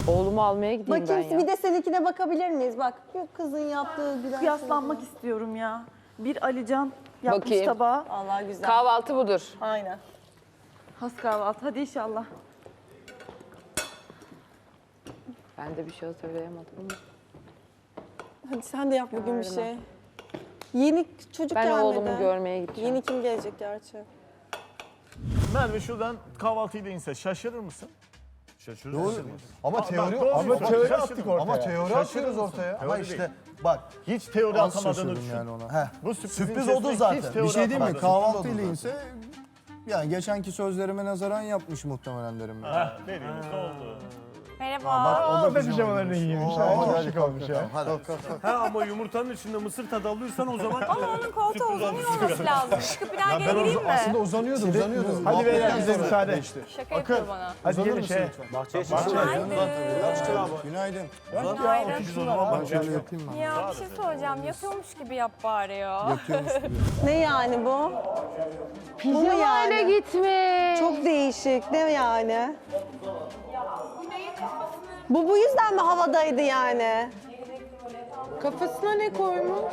Oğlumu almaya gideyim ben Bakayım ya. bir de seninkine bakabilir miyiz? Bak bu kızın yaptığı güzel. Kıyaslanmak istiyorum ya. Bir Alican yapmış Bakayım. tabağı. Allah güzel. Kahvaltı budur. Aynen. Has kahvaltı. Hadi inşallah. Ben de bir şey hatırlayamadım ama. Hadi sen de yap bugün bir şey. Yeni çocuk Ben gelmedi. oğlumu görmeye gideceğim. Yeni kim gelecek gerçi? Merve şuradan kahvaltıyla inse şaşırır mısın? Doğru. Ama teori doğru ama bir soru. teori Şaşırdım. attık ortaya. Ama teori Şaşırır atıyoruz mısın? ortaya. Teori Ama değil. işte bak Hiç teori az atamadığını şaşırdım düşün. yani ona. Heh. Bu sürprizin Sürpriz içerisinde oldu hiç zaten. teori Bir şey değil mi? atamadın. Kahvaltıyla inse yani geçenki sözlerime nazaran yapmış muhtemelen derim ben. Ha, dediğimiz ne oldu? Bak o da pijamalarını giymiş. Çok şık olmuş ya. Ha ama yumurtanın içinde mısır tadı alıyorsan o zaman Ama onun koltuğu uzanıyor olması lazım. Çıkıp bir daha geri gireyim mi? Aslında uzanıyordu. hadi beyler bize müsaade. Şaka yapıyor bana. Hadi gelin şey. Günaydın. Günaydın. Biz o zaman Ben şöyle yapayım ben. Ya bir şey soracağım. Yatıyormuş gibi yap bari ya. Yatıyormuş gibi. Ne yani bu? Pijamayla yani? gitmiş. Çok değişik. Ne yani? Bu yüzden mi havadaydı yani? Kafasına ne koymuş?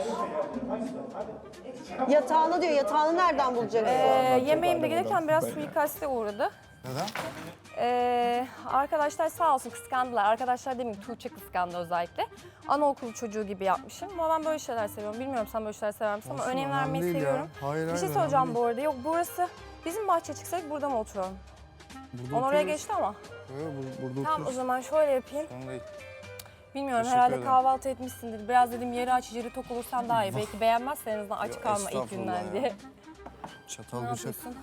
Yatağını diyor. Yatağını nereden bulacaksın? Yemeğimde gelirken biraz suikaste uğradı. Neden? Arkadaşlar sağ olsun kıskandılar. Arkadaşlar demeyeyim Tuğçe kıskandı özellikle. Anaokulu çocuğu gibi yapmışım. Ama ben böyle şeyler seviyorum. Bilmiyorum sen böyle şeyler sever misin ama Olsun, önem önemli vermeyi değil ya. seviyorum. Hayır, Bir şey hayır, soracağım önemli bu arada. Yok burası bizim bahçeye çıksaydık burada mı oturalım? Burada Onu oraya oturuyoruz. geçti ama. Burada Tamam o oturuyoruz. zaman şöyle yapayım. Sorun değil. Bilmiyorum Teşekkür herhalde ederim. kahvaltı etmişsindir. Biraz dedim yeri aç, yeri tok olursan daha iyi. Belki beğenmezsen en azından aç Yok, kalma ilk estağfurullah günden ya. diye. Çatal Ne bıçak. yapıyorsun?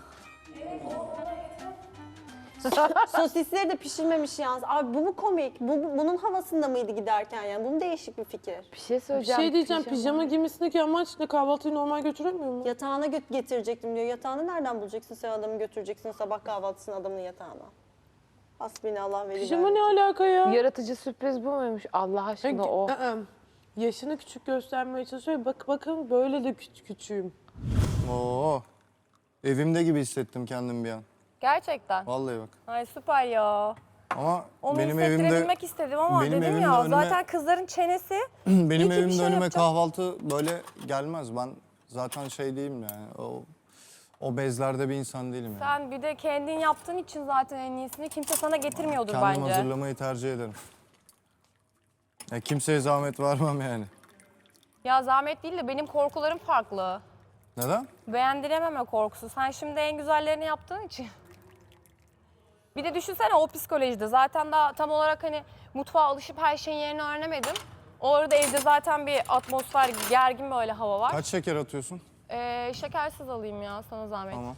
Sosisleri de pişirmemiş yalnız. Abi bu mu komik? Bunun havasında mıydı giderken yani? Bu mu değişik bir fikir? Bir şey Bir söyleyeceğim. şey diyeceğim, pijama giymesindeki amaç ne? Kahvaltıyı normal götüremiyor mu? Yatağına getirecektim diyor. Yatağını nereden bulacaksın sen adamı götüreceksin sabah kahvaltısını adamın yatağına? Hasbinallah ve Pijama ne alaka ya? Yaratıcı sürpriz bu muymuş? Allah aşkına o. Yaşını küçük göstermeye çalışıyor. Bakın böyle de küçüğüm. Oo. Evimde gibi hissettim kendimi bir an. Gerçekten. Vallahi bak. Ay süper ya. Ama Onu benim evimde hissettirebilmek istedim ama benim dedim evimde ya önüme- zaten kızların çenesi benim İyi ki bir evimde şey önüme yapacağım. kahvaltı böyle gelmez. Ben zaten şey değilim yani. O bezlerde bir insan değilim yani. sen bir de kendin yaptığın için zaten en iyisini kimse sana getirmiyordur Kendim bence. hazırlamayı tercih ederim. Ya kimseye zahmet vermem yani. Ya zahmet değil de benim korkularım farklı. Neden? Beğendirememe korkusu. Sen şimdi en güzellerini yaptığın için. Bir de düşünsene o psikolojide. Zaten daha tam olarak hani mutfağa alışıp her şeyin yerini öğrenemedim. Orada evde zaten bir atmosfer, gergin böyle hava var. Kaç şeker atıyorsun? Şekersiz alayım ya sana zahmet. Tamam.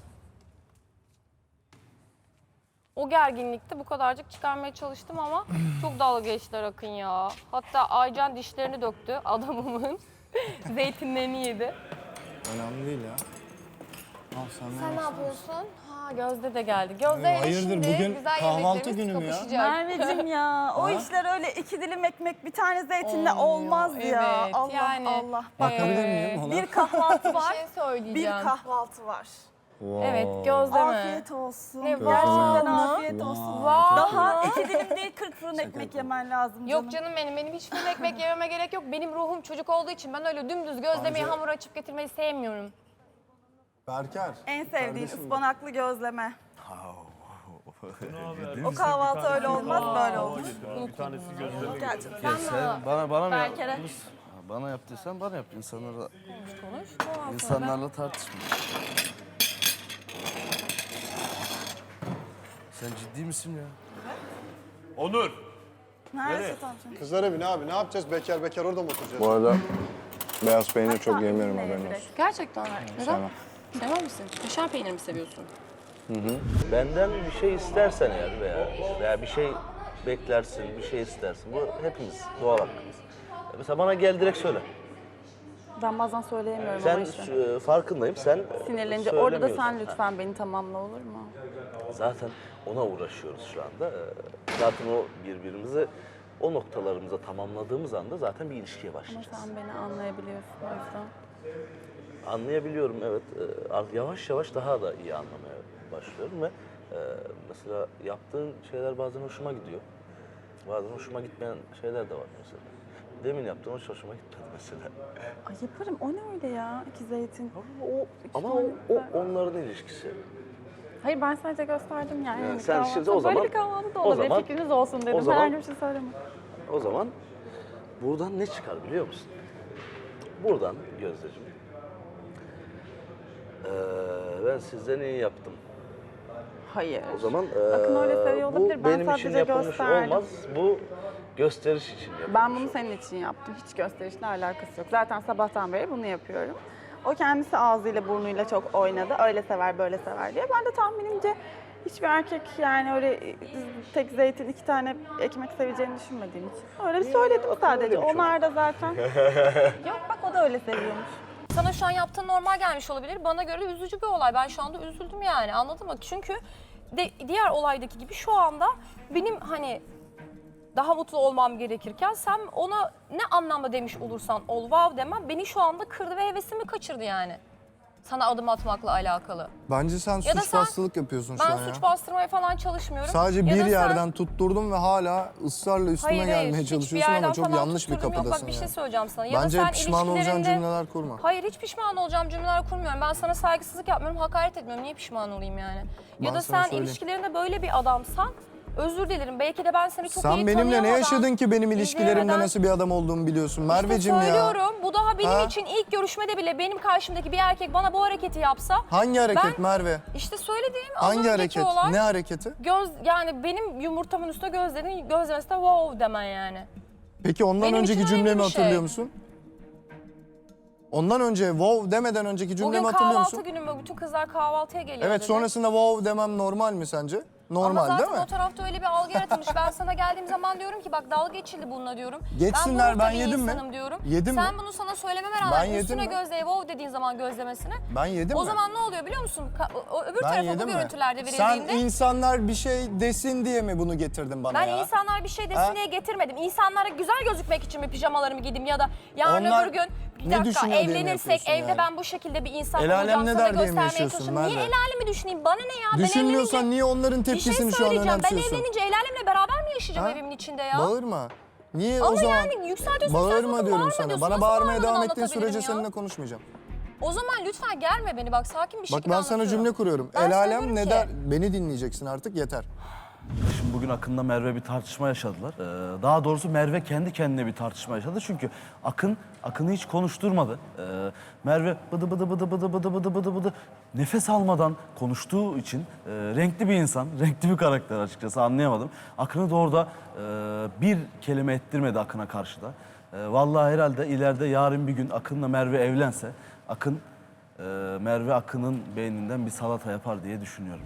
O gerginlikte bu kadarcık çıkarmaya çalıştım ama çok dalga geçtiler Akın ya. Hatta Aycan dişlerini döktü adamımın. Zeytinlerini yedi. Önemli değil ya. Al sen Sen ne ne yapıyorsun? Ha Gözde de geldi. Gözde ile hayırdır, şimdi bugün güzel kahvaltı yemeklerimiz günü mü ya? kapışacak. Merveciğim ya o işler öyle iki dilim ekmek bir tane zeytinle olmaz ya. Evet, Allah yani. Allah. Bakabilir miyim ona? Bir kahvaltı Bir var. şey Bir söyleyeceğim. kahvaltı var. Evet Gözde mi? Afiyet olsun. Ne, Gerçekten var mı? afiyet olsun. Var Daha mı? 2 dilim değil 40 fırın ekmek yemen lazım canım. Yok canım benim hiç fırın ekmek yememe gerek yok. Benim ruhum çocuk olduğu için ben öyle dümdüz gözlemeyi hamur açıp getirmeyi sevmiyorum. Berker. En sevdiğin ıspanaklı gözleme. O kahvaltı öyle olmaz böyle olur. Bir tanesi gözleme. Gerçekten. Bana mı Berker'e. yaptın? Bana yaptıysan bana yap. İnsanlarla, Konuş. Ondan sonra insanlarla tartışma. Sen ciddi misin ya? Onur. Neredeyse tavşan. Kızlar evi ne abi? Ne yapacağız? Bekar bekar orada mı oturacağız? Bu arada beyaz peynir çok yemiyorum haberin olsun. Gerçekten mi? Neden? Sevmem. Sevmez misin? Kaşar peynir mi seviyorsun? Benden bir şey istersen eğer veya bir şey beklersin, bir şey istersin. Bu hepimiz doğal hakkımız. Mesela bana gel direkt söyle. Ben bazen söyleyemiyorum Sen ama işte. farkındayım. Sen Sinirlenince orada da sen söylemiyorsun. lütfen beni tamamla olur mu? Zaten ona uğraşıyoruz şu anda. Zaten o birbirimizi o noktalarımıza tamamladığımız anda zaten bir ilişkiye Ama başlayacağız. sen beni anlayabiliyorsun o yüzden. Anlayabiliyorum evet. Yavaş yavaş daha da iyi anlamaya başlıyorum ve mesela yaptığın şeyler bazen hoşuma gidiyor. Bazen hoşuma gitmeyen şeyler de var mesela. Demin yaptığım hiç hoşuma gitmedi mesela. Ay yaparım. O ne öyle ya? İki zeytin. Ama o onların ilişkisi. Hayır ben sadece gösterdim yani. Yani Hani sen kahvaltı- şimdi o zaman- Böyle bir kahvaltı da o olabilir. zaman- Fikriniz olsun dedim. o zaman- Herhangi bir şey söylemedim. O zaman buradan ne çıkar biliyor musun? Buradan Gözdeciğim. Ben sizden iyi yaptım. Hayır. O zaman Akın öyle seviyor olabilir. bu Ben benim için sadece yapılmış gösterdim. olmaz. Bu gösteriş için yapılmış. Ben bunu senin için yaptım. Hiç gösterişle alakası yok. Zaten sabahtan beri bunu yapıyorum. O kendisi ağzıyla burnuyla çok oynadı. Öyle sever böyle sever diye. Ben de tahminimce hiçbir erkek yani öyle tek zeytin 2 tane ekmek seveceğini düşünmediğim için. Öyle bir söyledim sadece. öyle bir Onlar da zaten. Yok bak o da öyle seviyormuş. Sana şu an yaptığın normal gelmiş olabilir. Bana göre de üzücü bir olay. Ben şu anda üzüldüm yani, anladın mı? Çünkü diğer olaydaki gibi şu anda benim hani daha mutlu olmam gerekirken sen ona ne anlamda demiş olursan ol, wow demem beni şu anda kırdı ve hevesimi kaçırdı yani. Sana adım atmakla alakalı. Bence sen Ya da suç sen- bastılık yapıyorsun şu Ben an ya. suç bastırmaya falan çalışmıyorum. Sadece Ya bir da sen- yerden tutturdum ve hala ısrarla üstüme gelmeye hiçbir çalışıyorsun ama yerden çok falan yanlış bir tutturdum. Yok, kapıdasın bak bir şey yani. söyleyeceğim sana. Ya da Bence sen pişman olacağın ilişkilerinde- cümleler kurma. Hayır, hiç pişman olacağım cümleler kurmuyorum. Ben sana saygısızlık yapmıyorum, hakaret etmiyorum. Niye pişman olayım yani? Ben Ya da sana sen söyleyeyim. ilişkilerinde böyle bir adamsan özür dilerim. Belki de ben seni çok iyi Sen benimle ne tanıyamadan, yaşadın ki benim ilişkilerimde izleyemeden- nasıl bir adam olduğumu biliyorsun İşte Merveciğim ya. söylüyorum. Bu daha benim Ha? için ilk görüşmede bile benim karşımdaki bir erkek bana bu hareketi yapsa. Hangi hareket Ben- Merve? İşte söylediğim az Hangi önceki hareket? olay. Ne hareketi? Yani benim yumurtamın üstüne gözlemesi de wow demen yani. Peki ondan Benim önceki için önemli cümlemi bir şey. hatırlıyor musun? Ondan önce wow demeden önceki cümlemi Bugün hatırlıyor kahvaltı musun? günüm ve bütün kızlar kahvaltıya geliyor Evet dedi. sonrasında wow demem normal mi sence? Normal Ama değil zaten mi? o tarafta öyle bir algı yaratılmış. Ben sana geldiğim zaman diyorum ki bak dalga geçildi bununla diyorum. Geçsinler, ben, ben bir yedim mi? insanım diyorum. Yedim mi? Sen bunu sana söylememe Ben rağmen yedim üstüne mi? gözleye wow dediğin zaman gözlemesine. Ben yedim O mi? zaman ne oluyor biliyor musun? Öbür Ben tarafa bu yedim mi? görüntülerde Sen verildiğinde insanlar bir şey desin diye mi bunu getirdin bana ben ya? insanlar bir şey desin Ha? diye getirmedim. İnsanlara güzel gözükmek için mi pijamalarımı giydim ya da yarın Onlar öbür gün bir ne dakika düşünüyor diye mi evlenirsek yapıyorsun evde yani? ben bu şekilde bir insan El alem olacağım ne sana der diye mi göstermeye yaşıyorsun çalışıyorum. Niye Merve? el alemi düşüneyim? Bana ne ya? Ben Düşünmüyorsan evlenince- niye onların bir şey tepkisini şu an söyleyeceğim. Ben önemsiyorsun? evlenince el alemle beraber mi yaşayacağım Ha? evimin içinde ya? Bağırma. Niye Ama o zaman? yani yükseltiyorsun, Bağırma yükseltiyorsun, diyorum bağırma sana. diyorsun. Bana Nasıl bağırmaya bağırmadan devam ettiğin anlatabilirim sürece ya? seninle konuşmayacağım. O zaman lütfen germe beni bak sakin bir Bak şekilde ben sana anlatıyorum. cümle kuruyorum. Ben El alem söylüyorum ne ki- der? Beni dinleyeceksin artık yeter. Şimdi bugün Akın'la Merve bir tartışma yaşadılar. Daha doğrusu Merve kendi kendine bir tartışma yaşadı. Çünkü Akın'ı hiç konuşturmadı. Merve bıdı bıdı bıdı bıdı bıdı bıdı bıdı bıdı nefes almadan konuştuğu için renkli bir insan, renkli bir karakter açıkçası anlayamadım. Akın'ı da orada bir kelime ettirmedi Akın'a karşı da. Vallahi herhalde ileride yarın bir gün Akın'la Merve evlense Merve Akın'ın beyninden bir salata yapar diye düşünüyorum.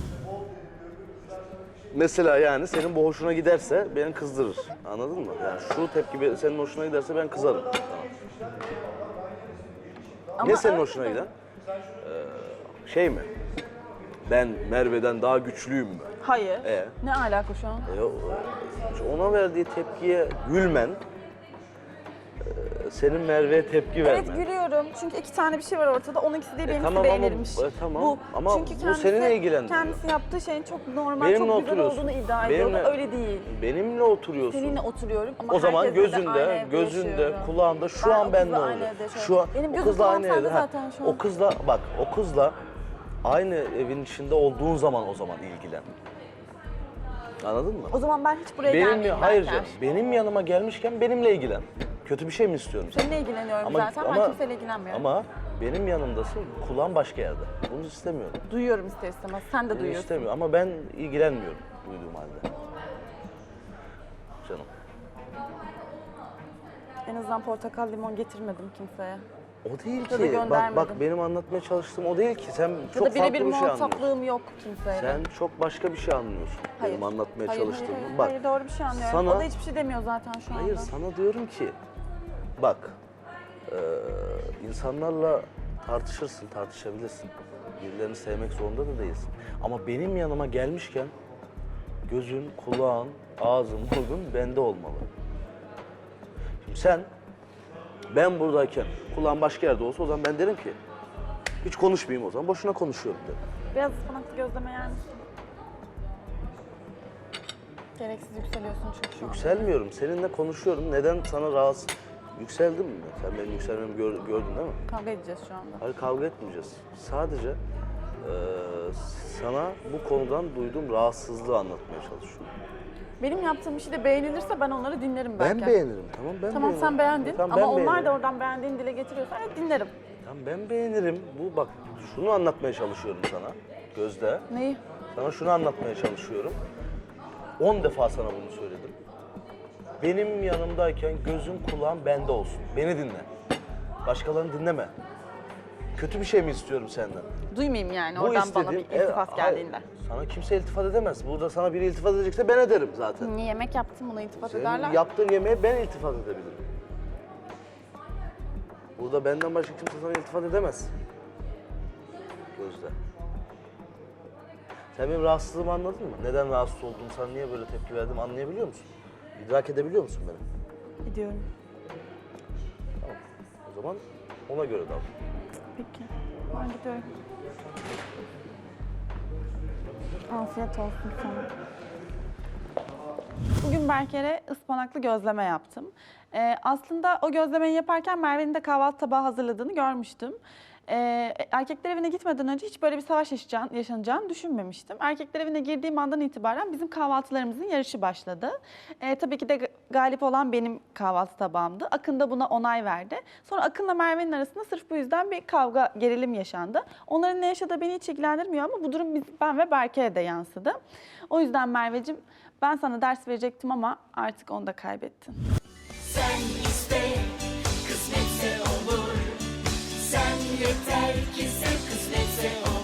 Mesela yani senin bu hoşuna giderse beni kızdırır. Anladın mı? Yani şu tepki senin hoşuna giderse ben kızarım. Ne senin hoşuna giden? Şey mi? Ben Merve'den daha güçlüyüm mü? Hayır. E? Ne alaka şu an? Ona verdiği tepkiye gülmen, senin Merve'ye tepki vermen. Evet gülüyorum. Çünkü 2 tane bir şey var ortada. Onunkisi değil, benimkisi tamam ama- beğenilmiş. tamam. Ama Çünkü bu seni ne ilgilendiriyor? Kendisi yaptığı şeyin çok normal, Benimle çok güzel oturuyorsun. olduğunu iddia ediyordu. Benimle- Öyle değil. Benimle oturuyorsun. Seninle oturuyorum ama O zaman herkesle de aynı gözünde, evde gözünde, yaşıyorum. kulağında şu Ben an o ben kızla ne aynı olacak? evde yaşıyorum. Şu an Benim o gözüm kızla kulağım aynı sende evde. Ha, zaten şu an. o kızla bak o kızla aynı evin içinde olduğun zaman o zaman ilgilen. Anladın mı? O zaman ben hiç buraya Benim gelmeyeyim hayır Berker. canım. Benim yanıma gelmişken benimle ilgilen. Kötü bir şey mi istiyorum sen? Seninle ilgileniyorum zaten. Ben kimseyle ilgilenmiyorum. Ama benim yanımdasın, kulağın başka yerde. Bunu istemiyorum. Duyuyorum ister istemez. Sen de Bunu duyuyorsun. istemiyorum ama ben ilgilenmiyorum duyduğum halde. Canım. En azından portakal limon getirmedim kimseye. O değil Ya da ki. Bak göndermedim. benim anlatmaya çalıştığım o değil ki. Sen Ya çok da birebir farklı bir şey anlıyorsun. muhataplığım yok kimseyle. Sen çok başka bir şey anlıyorsun. Hayır. Benim anlatmaya Hayır, çalıştığımı. Hayır, Bak. hayır, doğru bir şey anlıyorum. sana- O da hiçbir şey demiyor zaten şu anda. Hayır sana diyorum ki bak insanlarla tartışırsın, tartışabilirsin. Birilerini sevmek zorunda da değilsin. Ama benim yanıma gelmişken gözün, kulağın, ağzın, burnun bende olmalı. Şimdi sen ben buradayken kulağın başka yerde olsa o zaman ben derim ki hiç konuşmayayım o zaman. Boşuna konuşuyorum derim. Biraz ıspanaklı gözleme yer misin? Gereksiz yükseliyorsun çünkü şu an. Yükselmiyorum. Seninle konuşuyorum. Neden sana rahatsız... Yükseldim mi? Sen benim yükselmemi gördün değil mi? Kavga edeceğiz şu anda. Hayır, kavga etmeyeceğiz. Sadece sana bu konudan duyduğum rahatsızlığı anlatmaya çalışıyorum. Benim yaptığım işi de beğenilirse ben onları dinlerim belki. Ben beğenirim, tamam ben Tamam beğenirim. sen beğendin Tamam, ama ben onlar beğenirim. da oradan beğendiğini dile getiriyorsa evet dinlerim. Tamam ben beğenirim. Bu bak şunu anlatmaya çalışıyorum sana Gözde. Neyi? Sana şunu anlatmaya çalışıyorum. 10 defa sana bunu söyledim. Benim yanımdayken gözün kulağın bende olsun. Beni dinle. Başkalarını dinleme. Kötü bir şey mi istiyorum senden? Duymayayım yani Bu oradan bana bir istediğim- iltifat hayır, geldiğinde. sana kimse iltifat edemez. Burada sana biri iltifat edecekse ben ederim zaten. Niye yemek yaptım buna iltifat Senin ederler? yaptığın yemeğe ben iltifat edebilirim. Burada benden başka kimse sana iltifat edemez. Gözde. Sen benim rahatsızlığımı anladın mı? Neden rahatsız olduğumu, sana niye böyle tepki verdim anlayabiliyor musun? İdrak edebiliyor musun beni? Gidiyorum. Tamam. O zaman ona göre davran. Peki. Ben gidiyorum. Afiyet olsun sana. Bugün Berker'e ıspanaklı gözleme yaptım. Aslında o gözlemeyi yaparken Merve'nin de kahvaltı tabağı hazırladığını görmüştüm. Erkekler evine gitmeden önce hiç böyle bir savaş yaşanacağını düşünmemiştim. Erkekler evine girdiğim andan itibaren bizim kahvaltılarımızın yarışı başladı. Tabii ki de galip olan benim kahvaltı tabağımdı. Akın da buna onay verdi. Sonra Akın'la Merve'nin arasında sırf bu yüzden bir kavga, gerilim yaşandı. Onların ne yaşadığı beni hiç ilgilendirmiyor ama bu durum ben ve Berker'e de yansıdı. O yüzden Merveciğim ben sana ders verecektim ama artık onu da kaybettin. Sen iste, kısmetse olur. Sen yeter ki sen kısmetse olur.